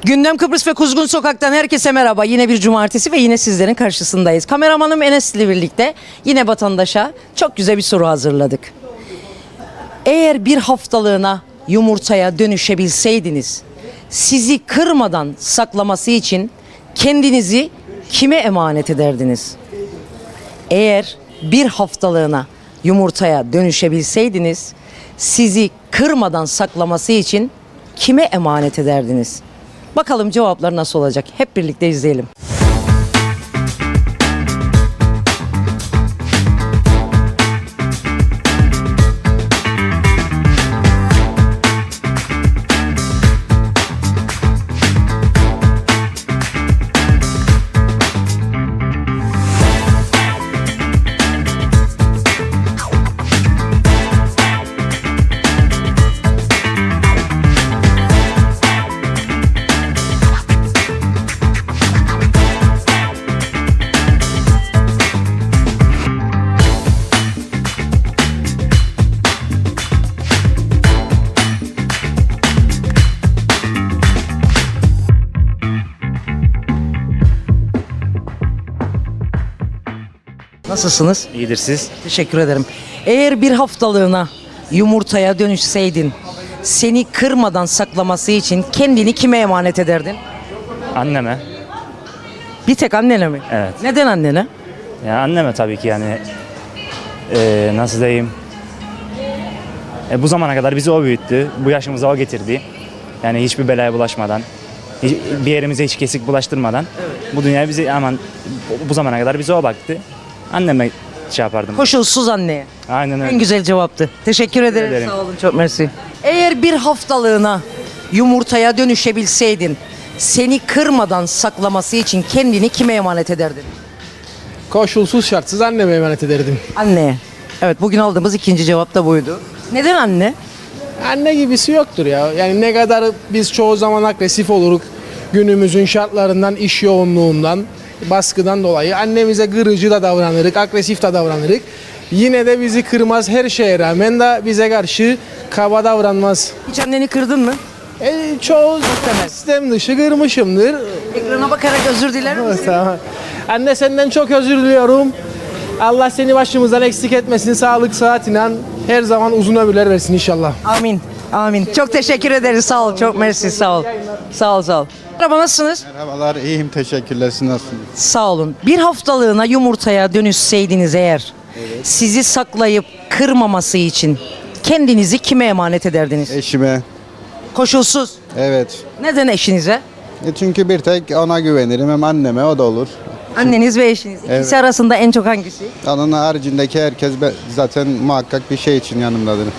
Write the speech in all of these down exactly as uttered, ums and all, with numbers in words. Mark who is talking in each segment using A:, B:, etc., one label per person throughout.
A: Gündem Kıbrıs ve Kuzgun Sokak'tan herkese merhaba. Yine bir cumartesi ve yine sizlerin karşısındayız. Kameramanım Enes ile birlikte yine vatandaşa çok güzel bir soru hazırladık. Eğer bir haftalığına yumurtaya dönüşebilseydiniz, sizi kırmadan saklaması için kendinizi kime emanet ederdiniz? Eğer bir haftalığına yumurtaya dönüşebilseydiniz, sizi kırmadan saklaması için kime emanet ederdiniz? Bakalım cevaplar nasıl olacak? Hep birlikte izleyelim. Nasılsınız?
B: İyidir siz.
A: Teşekkür ederim. Eğer bir haftalığına yumurtaya dönüşseydin, seni kırmadan saklaması için kendini kime emanet ederdin?
B: Anneme.
A: Bir tek annene mi?
B: Evet.
A: Neden annene?
B: Ya anneme tabii ki yani eee, nasıl diyeyim. E, bu zamana kadar bizi o büyüttü. Bu yaşımıza o getirdi. Yani hiçbir belaya bulaşmadan, hiç- bir yerimize hiç kesik bulaştırmadan. Bu dünyaya bizi aman bu zamana kadar bize o baktı. Anneme şey yapardım.
A: Koşulsuz anneye.
B: Aynen
A: En
B: öyle.
A: güzel cevaptı. Teşekkür ederim.
B: ederim.
A: Sağ olun, çok mersi. Eğer bir haftalığına yumurtaya dönüşebilseydin, seni kırmadan saklaması için kendini kime emanet ederdin?
C: Koşulsuz şartsız anneme emanet ederdim.
A: Anneye. Evet, bugün aldığımız ikinci cevap da buydu. Neden anne?
C: Anne gibisi yoktur ya. Yani ne kadar biz çoğu zaman agresif oluruk günümüzün şartlarından, iş yoğunluğundan, baskıdan dolayı annemize kırıcı da davranırık, agresif de davranırık. Yine de bizi kırmaz, her şeye rağmen de bize karşı kaba davranmaz.
A: Hiç anneni kırdın mı?
C: E, çoğu sistem dışı kırmışımdır.
A: Ekrana bakarak özür diler misin?
C: Tamam. Anne senden çok özür diliyorum. Allah seni başımızdan eksik etmesin. Sağlık, sıhhat, inan her zaman uzun ömürler versin inşallah.
A: Amin. Amin. Çok teşekkür ederiz. Sağ ol. Çok mersi. Sağ ol. Sağ ol. Sağ ol. Merhaba, nasılsınız?
D: Merhabalar, iyiyim, teşekkürler. Siz nasılsınız?
A: Sağ olun. Bir haftalığına yumurtaya dönüşseydiniz eğer, sizi saklayıp kırmaması için kendinizi kime emanet ederdiniz?
D: Eşime,
A: Koşulsuz.
D: evet.
A: Neden eşinize?
D: E çünkü bir tek ona güvenirim, hem anneme, o da olur.
A: Anneniz ve eşiniz. İkisi
D: Evet.
A: arasında en çok hangisi?
D: Onun haricindeki herkes be- zaten muhakkak bir şey için yanımdadır.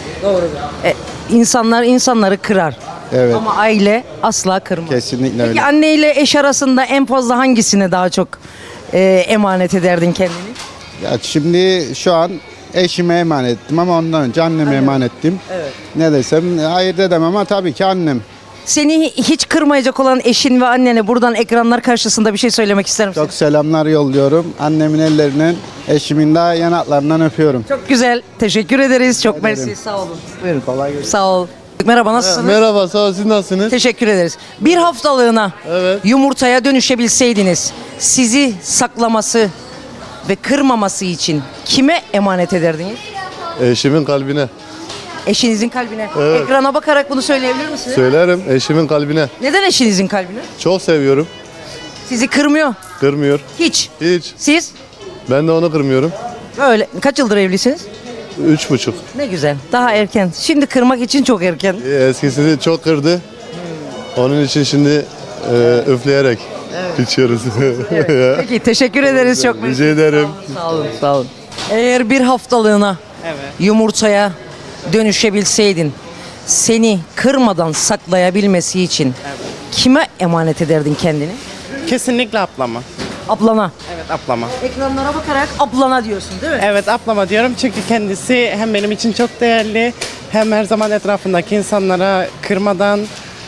A: E, insanlar insanları kırar.
D: Evet.
A: Ama aile asla kırmaz.
D: Kesinlikle
A: Peki
D: öyle.
A: anne ile eş arasında en fazla hangisine daha çok e, emanet ederdin kendini?
D: Ya şimdi şu an eşime emanet ettim ama ondan önce anneme emanet ettim.
A: Evet.
D: Ne desem hayır edemem ama tabii ki annem.
A: Seni hiç kırmayacak olan eşin ve annene buradan ekranlar karşısında bir şey söylemek ister misin?
D: Çok selamlar yolluyorum. Annemin ellerinden, eşimin de yanaklarından öpüyorum.
A: Çok güzel. Teşekkür ederiz. Çok
D: ederim.
A: mersi. Sağ olun.
D: Buyurun, kolay gelsin.
A: Sağ ol. Merhaba, nasılsınız?
E: Merhaba, sağ ol, siz nasılsınız?
A: Teşekkür ederiz. Bir haftalığına
E: Evet.
A: yumurtaya dönüşebilseydiniz, sizi saklaması ve kırmaması için kime emanet ederdiniz?
E: Eşimin kalbine.
A: Eşinizin kalbine.
E: Evet.
A: Ekrana bakarak bunu söyleyebilir misiniz?
E: Söylerim, eşimin kalbine.
A: Neden eşinizin kalbine?
E: Çok seviyorum,
A: Sizi kırmıyor.
E: kırmıyor.
A: Hiç.
E: Hiç.
A: Siz?
E: Ben de onu kırmıyorum.
A: Böyle. Kaç yıldır evlisiniz?
E: Üç buçuk.
A: Ne güzel. Daha erken. Şimdi kırmak için çok erken.
E: Ee, Eskisini çok kırdı. Onun için şimdi e, üfleyerek içiyoruz.
A: Peki, teşekkür ederiz çok.
E: Rica ederim.
A: Sağ olun, sağ olun. Eğer bir haftalığına yumurtaya dönüşebilseydin, seni kırmadan saklayabilmesi için kime emanet ederdin kendini?
F: Kesinlikle ablama.
A: Ablana.
F: Evet ablama.
A: Ekranlara bakarak ablana diyorsun değil mi?
F: Evet ablama diyorum çünkü kendisi hem benim için çok değerli hem her zaman etrafındaki insanlara kırmadan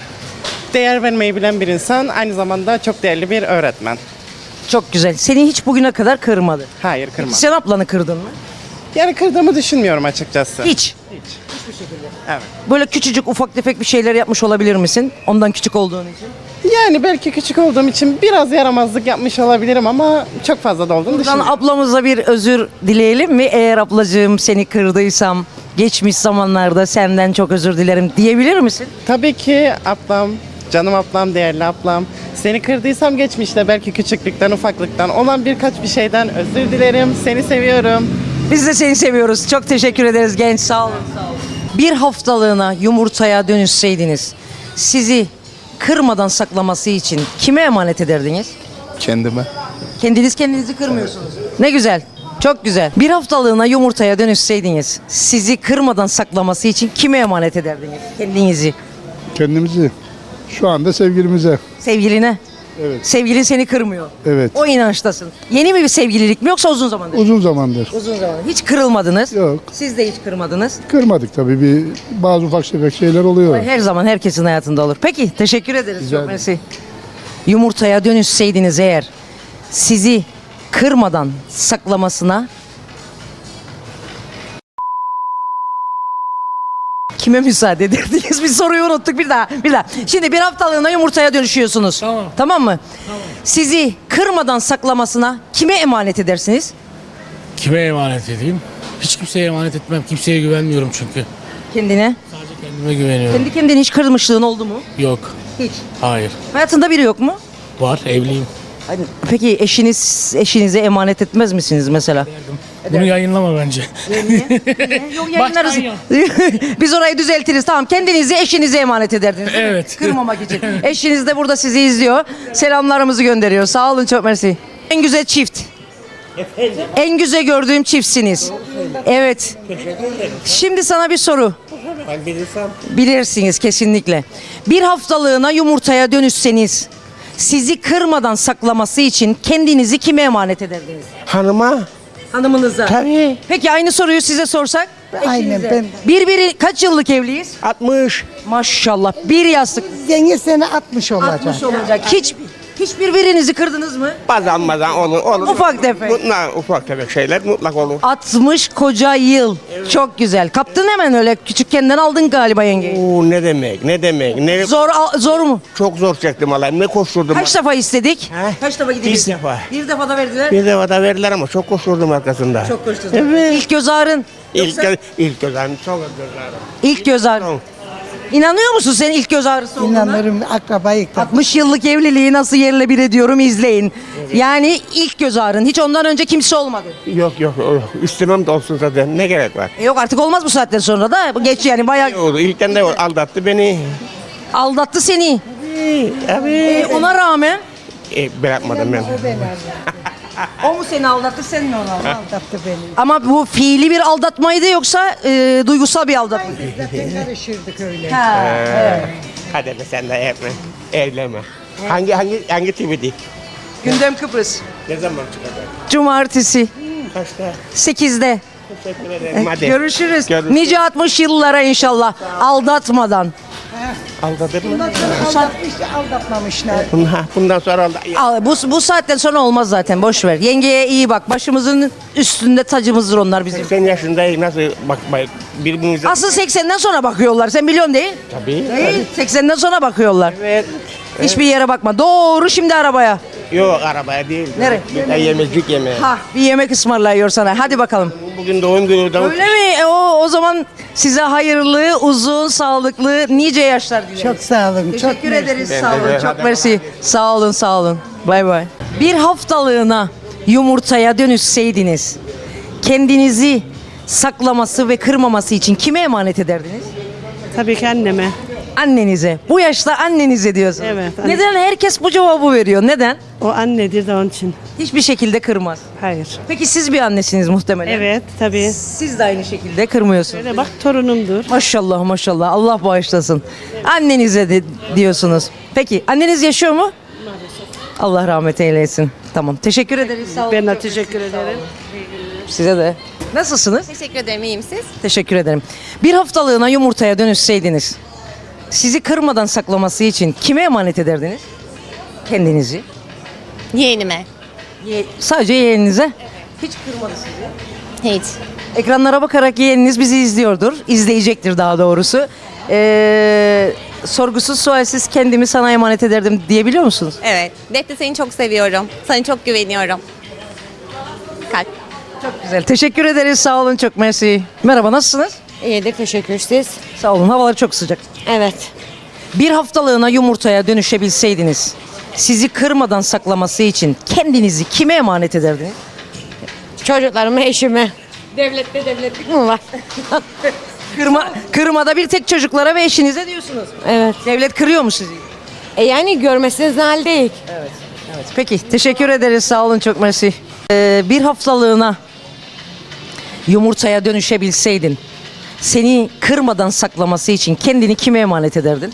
F: değer vermeyi bilen bir insan. Aynı zamanda çok değerli bir öğretmen.
A: Çok güzel. Seni hiç bugüne kadar kırmadı.
F: Hayır kırma.
A: Sen ablanı kırdın mı?
F: Yani kırdığımı düşünmüyorum açıkçası.
A: Hiç.
F: Evet.
A: Böyle küçücük ufak tefek bir şeyler yapmış olabilir misin? Ondan küçük olduğun için.
F: Yani belki küçük olduğum için biraz yaramazlık yapmış olabilirim ama çok fazla da olduğunu
A: Buradan
F: düşünüyorum.
A: ablamıza bir özür dileyelim mi? Eğer ablacığım seni kırdıysam geçmiş zamanlarda senden çok özür dilerim diyebilir misin?
F: Tabii ki ablam, canım ablam, değerli ablam. Seni kırdıysam geçmişte belki küçüklükten, ufaklıktan olan birkaç bir şeyden özür dilerim. Seni seviyorum.
A: Biz de seni seviyoruz. Çok teşekkür ederiz genç. Sağ olun. Sağ olun. Bir haftalığına yumurtaya dönüşseydiniz sizi kırmadan saklaması için kime emanet ederdiniz?
G: Kendime.
A: Kendiniz kendinizi kırmıyorsunuz. Ne güzel. Çok güzel. Bir haftalığına yumurtaya dönüşseydiniz sizi kırmadan saklaması için kime emanet ederdiniz? Kendinizi.
G: Kendimizi. Şu anda sevgilimize.
A: Sevgiline.
G: Evet.
A: Sevgilin seni kırmıyor.
G: Evet.
A: O inançtasın. Yeni mi bir sevgililik mi yoksa uzun zamandır?
G: Uzun zamandır.
A: Uzun zamandır. Hiç kırılmadınız.
G: Yok.
A: Siz de hiç kırmadınız.
G: Kırmadık tabii. Bir bazı ufak tefek şeyler oluyor.
A: Her zaman herkesin hayatında olur. Peki teşekkür ederiz.
G: Rica
A: Çok
G: ederim.
A: mersi. Yumurtaya dönüşseydiniz eğer sizi kırmadan saklamasına kime müsaade ederdiniz? Bir soruyu unuttuk bir daha. Bir daha. Şimdi bir haftalığına yumurtaya dönüşüyorsunuz. Tamam. Tamam mı? Tamam. Sizi kırmadan saklamasına kime emanet edersiniz?
H: Kime emanet edeyim? Hiç kimseye emanet etmem. Kimseye güvenmiyorum çünkü.
A: Kendine.
H: Sadece kendime güveniyorum.
A: Kendi kendine hiç kırmışlığın oldu mu?
H: Yok.
A: Hiç.
H: Hayır.
A: Hayatında biri yok mu?
H: Var. Evliyim.
A: Peki eşiniz eşinize emanet etmez misiniz mesela?
H: Bunu yayınlama bence.
A: Yok yayınlarız.
H: Baştan yap.
A: Biz orayı düzeltiriz. Tamam kendinizi eşinize emanet ederdiniz. değil mi?
H: Evet.
A: Kırmamak için. Eşiniz de burada sizi izliyor. Selamlarımızı gönderiyor. Sağ olun çok mersi. En güzel çift. En güzel gördüğüm çiftsiniz. Evet. Şimdi sana bir soru. Bilirsiniz kesinlikle. Bir haftalığına yumurtaya dönüşseniz sizi kırmadan saklaması için kendinizi kime emanet ederdiniz?
I: Hanıma
A: Hanımınıza.
I: tabii
A: Peki aynı soruyu size sorsak?
I: Aynen,
A: Eşinize.
I: ben-
A: Birbiri kaç yıllık evliyiz?
I: altmış.
A: Maşallah. Bir yastık.
I: Yenge sene altmış olacak.
A: altmış olacak. Hiç hiçbir birinizi kırdınız mı?
I: Bazen bazen olur. olur.
A: Ufak tefek.
I: Mutlak, ufak tefek şeyler mutlak olur.
A: altmış koca yıl. Çok güzel. Kaptın hemen öyle küçükkenden aldın galiba yengeyi.
I: Oo, ne demek ne demek. Ne,
A: Zor al- zor mu?
I: Çok zor çektim Allah'ım. Ne koşturdum.
A: Kaç defa istedik?
I: He?
A: Kaç defa gidebilirsin?
I: Bir defa.
A: Bir defa da verdiler.
I: Bir defa da verdiler ama çok koşturdum arkasında.
A: Çok koştun.
I: Evet.
A: İlk göz ağrın.
I: İlk,
A: Yoksa-
I: göz, ilk göz ağrım, çok göz ağrım.
A: İlk göz ağrın.
I: Çok.
A: İnanıyor musun sen ilk göz ağrısı olduğuna?
J: İnanırım akrabayı da.
A: altmış yıllık evliliği nasıl yerle bir ediyorum izleyin. Yani ilk göz ağrın. Hiç ondan önce kimse olmadı.
I: Yok yok yok. İstemem de olsun zaten. Ne gerek var?
A: E yok artık olmaz bu saatten sonra da. Geç yani
I: Ne
A: bayağı
I: oldu? İlkten de aldattı beni.
A: aldattı seni.
I: Abi.
A: E, ona rağmen
I: E, bırakmadım ben.
A: o mu seni aldattı sen mi onu aldattın?
J: Aldattı beni.
A: Ama bu fiili bir aldatmaydı yoksa e, duygusal bir aldatma.
J: Zaten karışırdık öyle.
A: Ha, evet.
I: Hadi be sen de yapma. Evlenme. Hangi hangi hangi T V'di?
A: Gündem Kıbrıs.
I: Ne zaman çıkacak?
A: Cumartesi
I: Kaçta?
A: sekizde.
I: Teşekkür ederim. Hadi.
A: Görüşürüz.
I: Görüşürüz.
A: Nice altmış yıllara inşallah. Aldatmadan.
I: Aldatır mı?
J: Aldatmış, aldatmamışlar.
I: Bundan, bundan sonra aldat.
A: Al, bu, bu saatten sonra olmaz zaten. Boş ver. Yengeye iyi bak. Başımızın üstünde tacımızdır onlar bizim.
I: seksen yaşındayım nasıl bakmayın birbirimize.
A: Asıl seksenden sonra bakıyorlar. Sen biliyorsun değil?
I: Tabii.
A: Değil. seksenden sonra bakıyorlar.
I: Evet.
A: Hiçbir yere bakma. Doğru şimdi arabaya.
I: Yok arabaya değil.
A: Nereye?
I: Bir de yemezlik yemeğe.
A: Ha, bir yemek ısmarlıyor sana. Hadi bakalım.
I: Bugün doğum günü. Doğum...
A: Öyle mi? E, o o zaman size hayırlı, uzun, sağlıklı, nice yaşlar dileriz.
J: Çok sağ olun. Çok
A: Teşekkür
J: mersi.
A: ederiz.
I: Ben
A: Sağ
I: de-
A: olun.
I: hadi
A: Çok mersi. Sağ olun, sağ olun. Bay bay. Bir haftalığına yumurtaya dönüşseydiniz, kendinizi saklaması ve kırmaması için kime emanet ederdiniz?
F: Tabii ki anneme.
A: Annenize. Bu yaşta annenize diyorsunuz.
F: Evet, anne.
A: Neden herkes bu cevabı veriyor? Neden?
F: O annedir de onun için.
A: Hiçbir şekilde kırmaz.
F: Hayır.
A: Peki siz bir annesiniz muhtemelen.
F: Evet tabii.
A: Siz de aynı şekilde kırmıyorsunuz.
F: Öyle bak torunumdur.
A: Maşallah maşallah. Allah bağışlasın. Annenize de diyorsunuz. Peki anneniz yaşıyor mu? Allah rahmet eylesin. Tamam. Teşekkür ederiz. Sağ olun.
F: Ben de teşekkür ederim.
A: Size de. Nasılsınız?
K: Teşekkür ederim. İyiyim siz?
A: Teşekkür ederim. Bir haftalığına yumurtaya dönüşseydiniz, sizi kırmadan saklaması için kime emanet ederdiniz? Kendinizi.
K: Yeğenime.
A: Ye- sadece yeğeninize. Hiç kırmadı sizi.
K: Hiç.
A: Ekranlara bakarak yeğeniniz bizi izliyordur. İzleyecektir daha doğrusu. Ee, sorgusuz sualsiz kendimi sana emanet ederdim diyebiliyor musunuz?
K: Evet. Defne seni çok seviyorum. Sana çok güveniyorum. Kalp.
A: Güzel. Teşekkür ederiz. Sağ olun. Çok mersi. Merhaba, nasılsınız?
J: İyidir, teşekkür siz.
A: Sağ olun. Havalar çok sıcak.
J: Evet.
A: Bir haftalığına yumurtaya dönüşebilseydiniz, sizi kırmadan saklaması için kendinizi kime emanet ederdiniz?
J: Çocuklarıma, eşime. Devlette devletlik mi var?
A: Kırma, kırmada bir tek çocuklara ve eşinize diyorsunuz.
J: Evet.
A: Devlet kırıyor mu sizi?
J: E yani görmesiniz hal değil.
A: Peki, teşekkür ederiz. Sağ olun, çok mersi. Ee, bir haftalığına yumurtaya dönüşebilseydin, seni kırmadan saklaması için kendini kime emanet ederdin?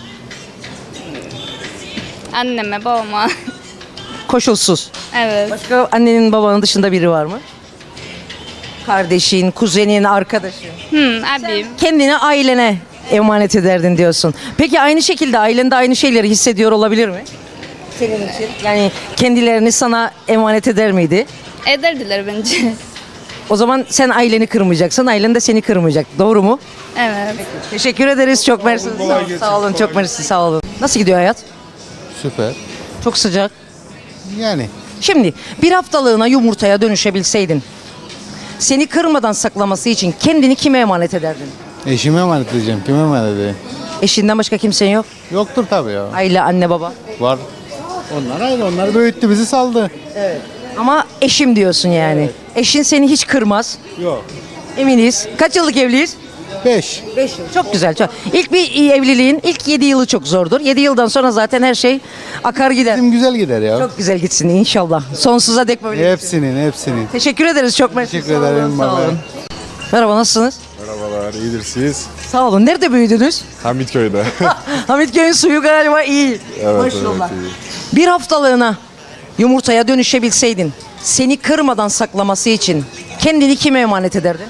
L: Anneme, babama.
A: Koşulsuz.
L: Evet.
A: Başka annenin babanın dışında biri var mı? Kardeşin, kuzenin, arkadaşın.
L: Hmm, abim.
A: Kendini ailene emanet ederdin diyorsun. Peki aynı şekilde ailen de aynı şeyleri hissediyor olabilir mi? Senin için. Yani kendilerini sana emanet eder miydi?
L: Ederdiler bence.
A: O zaman sen aileni kırmayacaksın, ailen de seni kırmayacak. Doğru mu?
L: Evet.
A: Teşekkür ederiz. Çok mersi. Sağ, sağ olun. Çok mersi. Sağ olun. Nasıl gidiyor hayat?
D: Süper.
A: Çok sıcak.
D: Yani
A: Şimdi bir haftalığına yumurtaya dönüşebilseydin, seni kırmadan saklaması için kendini kime emanet ederdin?
D: eşime emanet edeceğim. Kime emanet edeyim?
A: Eşinden başka kimsen yok.
D: Yoktur tabii ya.
A: Aile, anne, baba.
D: Var. Onlar ayrı. Onlar büyüttü bizi saldı.
A: Ama eşim diyorsun yani. Eşin seni hiç kırmaz.
D: Yok.
A: Eminiz. Kaç yıllık evliyiz?
D: Beş.
A: beş yıl. Çok güzel. Çok. İlk bir evliliğin ilk yedi yılı çok zordur. yedi yıldan sonra zaten her şey akar gider.
D: Bizim güzel gider ya.
A: Çok güzel gitsin inşallah. Sonsuza dek böyle.
D: Hepsinin hepsinin.
A: Teşekkür ederiz. Çok mersi.
D: Teşekkür
A: Sağ olun,
D: ederim,
A: sağ
D: baba.
A: olun. Merhaba, nasılsınız?
E: Merhabalar, iyidir siz?
A: Sağ olun. Nerede büyüdünüz?
E: Hamitköy'de.
A: Hamitköy'ün suyu galiba iyi.
E: Evet,
A: Maşallah.
E: evet,
A: Bir haftalığına yumurtaya dönüşebilseydin, seni kırmadan saklaması için kendini kime emanet ederdin?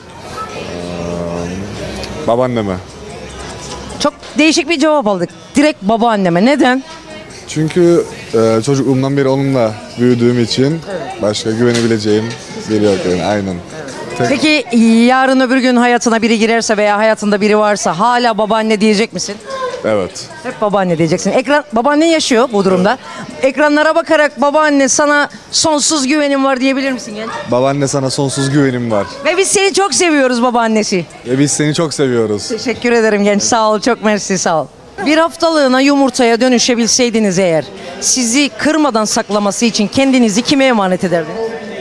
E: Babaanneme.
A: Çok değişik bir cevap aldık. Direkt babaanneme. Neden?
E: Çünkü e, çocukluğumdan beri onunla büyüdüğüm için başka güvenebileceğim biri yok yani, aynen. Tek-
A: Peki yarın öbür gün hayatına biri girerse veya hayatında biri varsa hala babaanne diyecek misin?
E: Evet.
A: Hep babaanne diyeceksin. Ekran, babaannen yaşıyor bu durumda. Ekranlara bakarak babaanne sana sonsuz güvenim var diyebilir misin genç?
E: Babaanne, sana sonsuz güvenim var.
A: Ve biz seni çok seviyoruz babaannesi.
E: Ve biz seni çok seviyoruz.
A: Teşekkür ederim genç. Sağ ol. Çok mersi. Sağ ol. Bir haftalığına yumurtaya dönüşebilseydiniz eğer, sizi kırmadan saklaması için kendinizi kime emanet ederdiniz?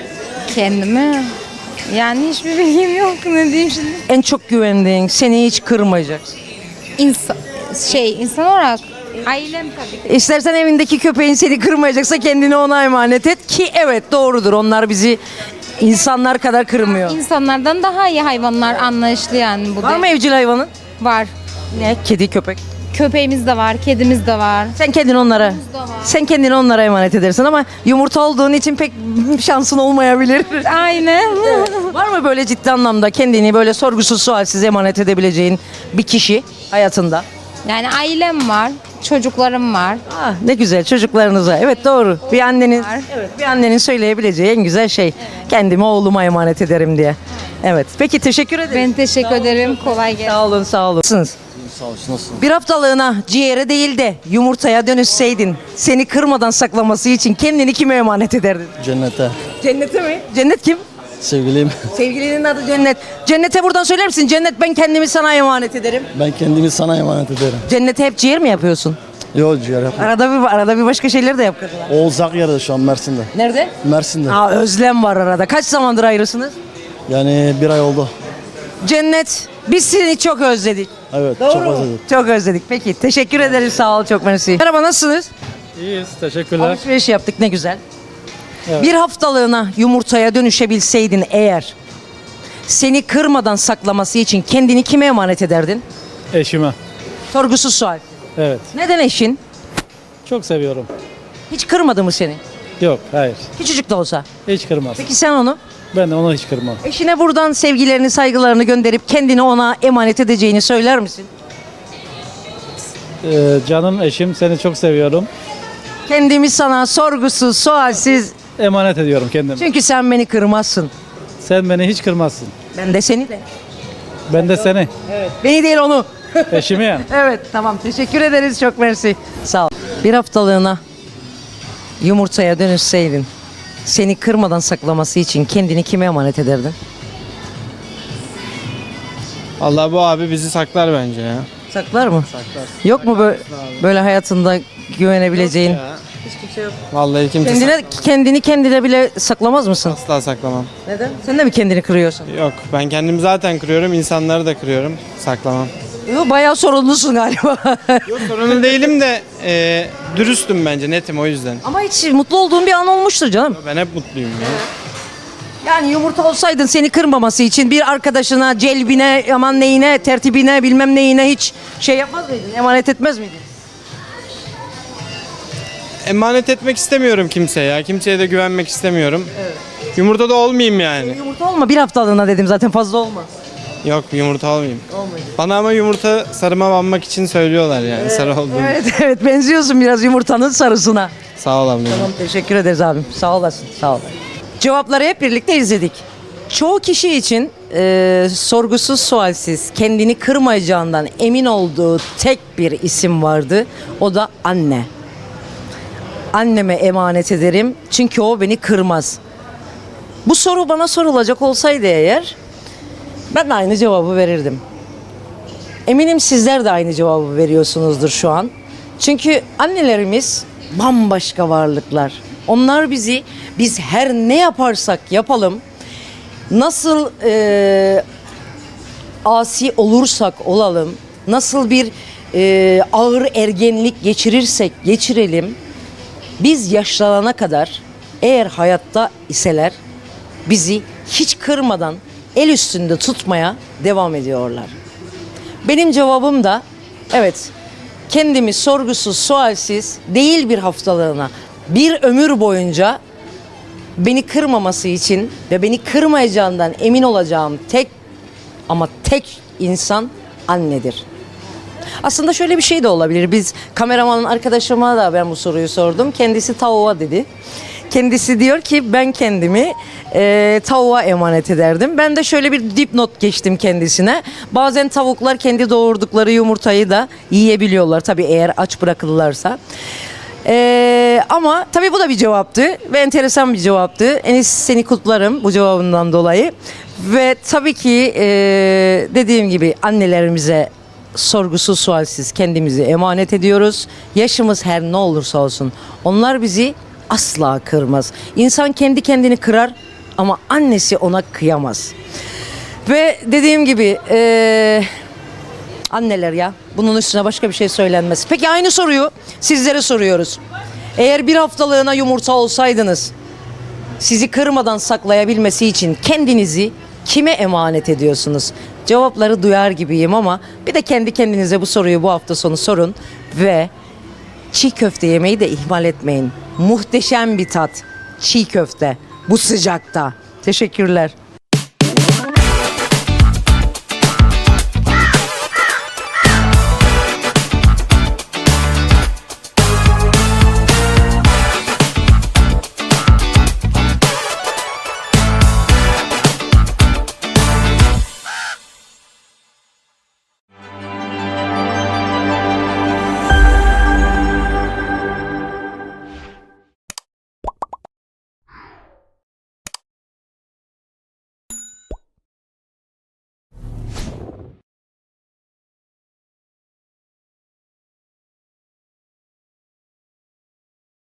L: Kendime. Yani hiçbir bilgim yok. Ne diyeyim şimdi?
A: En çok güvendiğin, seni hiç kırmayacak.
L: İnsan, şey, insan olarak ailem tabii ki.
A: İstersen evindeki köpeğin seni kırmayacaksa kendini ona emanet et ki evet doğrudur. Onlar bizi insanlar kadar kırmıyor.
L: İnsanlardan daha iyi hayvanlar, anlayışlı yani bu
A: Var
L: da.
A: mı evcil hayvanın?
L: Var.
A: Ne? Kedi, köpek.
L: Köpeğimiz de var, kedimiz de var.
A: Sen kendini onlara, sen kendini onlara emanet edersin ama yumurta olduğun için pek şansın olmayabilir.
L: Aynen.
A: Var mı böyle ciddi anlamda kendini böyle sorgusuz sualsiz emanet edebileceğin bir kişi hayatında?
L: Yani ailem var, çocuklarım var.
A: Ah, ne güzel çocuklarınıza. Evet doğru. Bir annenin
L: Var.
A: evet bir annenin söyleyebileceği en güzel şey kendimi oğluma emanet ederim diye. Evet. Peki teşekkür ederim.
L: Ben teşekkür ederim. Kolay gelsin.
A: Sağ olun, sağ olun. Nasılsınız?
G: Sağ olsun, nasılsın?
A: Bir haftalığına ciğere değil de yumurtaya dönüşseydin, seni kırmadan saklaması için kendini kime emanet ederdin?
G: Cennete.
A: Cennete mi? Cennet kim?
G: Sevgiliyim.
A: Sevgilinin adı Cennet. Cennete buradan söyler misin? Cennet, ben kendimi sana emanet ederim.
G: Ben kendimi sana emanet ederim.
A: Cennete hep ciğer mi yapıyorsun?
G: Yok ciğer yapma.
A: Arada bir arada bir başka şeyler de yap kadına.
G: Oğuz Akyar'da şu an Mersin'de.
A: Nerede?
G: Mersin'de.
A: Aa, özlem var arada. Kaç zamandır ayrısınız?
G: Yani bir ay oldu.
A: Cennet, biz seni çok özledik.
G: Evet,
A: Doğru
G: çok
A: mu?
G: özledim.
A: Çok özledik. Peki, teşekkür ederiz. Sağ ol, çok mersi. Merhaba, nasılsınız?
H: İyiyiz, teşekkürler.
A: Alışveriş yaptık, ne güzel. Bir haftalığına yumurtaya dönüşebilseydin eğer, seni kırmadan saklaması için kendini kime emanet ederdin?
H: Eşime.
A: Sorgusuz sual.
H: Evet.
A: Neden eşin?
H: Çok seviyorum.
A: Hiç kırmadı mı seni?
H: Yok, hayır.
A: Küçücük de olsa.
H: Hiç kırmaz.
A: Peki sen onu?
H: Ben de onu hiç kırmam.
A: Eşine buradan sevgilerini, saygılarını gönderip kendini ona emanet edeceğini söyler misin?
H: Ee, canım eşim, seni çok seviyorum.
A: Kendimi sana sorgusuz, sualsiz,
H: Emanet ediyorum kendimi.
A: çünkü sen beni kırmazsın.
H: Sen beni hiç kırmazsın.
A: Ben de seni de.
H: Ben de seni.
A: Beni değil onu.
G: Eşimi ya.
A: Evet tamam teşekkür ederiz çok mersi. Sağ ol. Bir haftalığına yumurtaya dönüşseydin seni kırmadan saklaması için kendini kime emanet ederdin?
F: Allah bu abi bizi saklar bence ya.
A: Saklar mı? Yok mu böyle, böyle hayatında güvenebileceğin?
F: Vallahi kimse
A: Kendine, kendini kendine bile saklamaz mısın?
F: asla saklamam.
A: Neden? Sen de mi kendini kırıyorsun?
F: Yok ben kendimi zaten kırıyorum, insanları da kırıyorum. Saklamam.
A: Yo, bayağı sorumlusun galiba.
F: Yok sorunlu değilim de e, dürüstüm bence, netim o yüzden.
A: Ama hiç mutlu olduğun bir an olmuştur canım.
F: Ben hep mutluyum ya.
A: Yani yumurta olsaydın seni kırmaması için bir arkadaşına, celbine, aman neyine, tertibine, bilmem neyine hiç şey yapmaz mıydın? Emanet etmez miydin?
F: Emanet etmek istemiyorum kimseye ya. Kimseye de güvenmek istemiyorum. Yumurta da olmayayım yani.
A: Yumurta olma bir haftalığına dedim zaten fazla olma.
F: Yok yumurta olmayayım. Bana ama yumurta sarıma banmak için söylüyorlar yani sarı olduğunu.
A: Evet evet benziyorsun biraz yumurtanın sarısına.
F: Sağ ol abla.
A: Tamam teşekkür ederiz abim. Sağ olasın. Sağ ol. Cevapları hep birlikte izledik. Çoğu kişi için e, sorgusuz sualsiz kendini kırmayacağından emin olduğu tek bir isim vardı. O da anne. Anneme emanet ederim çünkü o beni kırmaz. Bu soru bana sorulacak olsaydı eğer ben de aynı cevabı verirdim. Eminim sizler de aynı cevabı veriyorsunuzdur şu an. Çünkü annelerimiz bambaşka varlıklar. Onlar bizi biz her ne yaparsak yapalım nasıl e, asi olursak olalım, nasıl bir e, ağır ergenlik geçirirsek geçirelim, biz yaşlanana kadar eğer hayatta iseler bizi hiç kırmadan el üstünde tutmaya devam ediyorlar. Benim cevabım da evet, kendimi sorgusuz sualsiz değil bir haftalığına bir ömür boyunca beni kırmaması için ve beni kırmayacağından emin olacağım tek ama tek insan annedir. Aslında şöyle bir şey de olabilir. Biz kameramanın arkadaşıma da ben bu soruyu sordum. Kendisi tavuğa dedi. Kendisi diyor ki ben kendimi e, tavuğa emanet ederdim. Ben de şöyle bir dipnot geçtim kendisine. Bazen tavuklar kendi doğurdukları yumurtayı da yiyebiliyorlar. Tabii eğer aç bırakılırlarsa. Ee, ama tabii bu da bir cevaptı ve enteresan bir cevaptı. Enis seni kutlarım bu cevabından dolayı. Ve tabii ki e, dediğim gibi annelerimize sorgusuz sualsiz kendimizi emanet ediyoruz. Yaşımız her ne olursa olsun onlar bizi asla kırmaz. İnsan kendi kendini kırar ama annesi ona kıyamaz. Ve dediğim gibi e, anneler ya bunun üstüne başka bir şey söylenmez. Peki aynı soruyu sizlere soruyoruz. Eğer bir haftalığına yumurta olsaydınız sizi kırmadan saklayabilmesi için kendinizi kime emanet ediyorsunuz? Cevapları duyar gibiyim ama bir de kendi kendinize bu soruyu bu hafta sonu sorun ve çiğ köfte yemeyi de ihmal etmeyin. Muhteşem bir tat. Çiğ köfte bu sıcakta. Teşekkürler.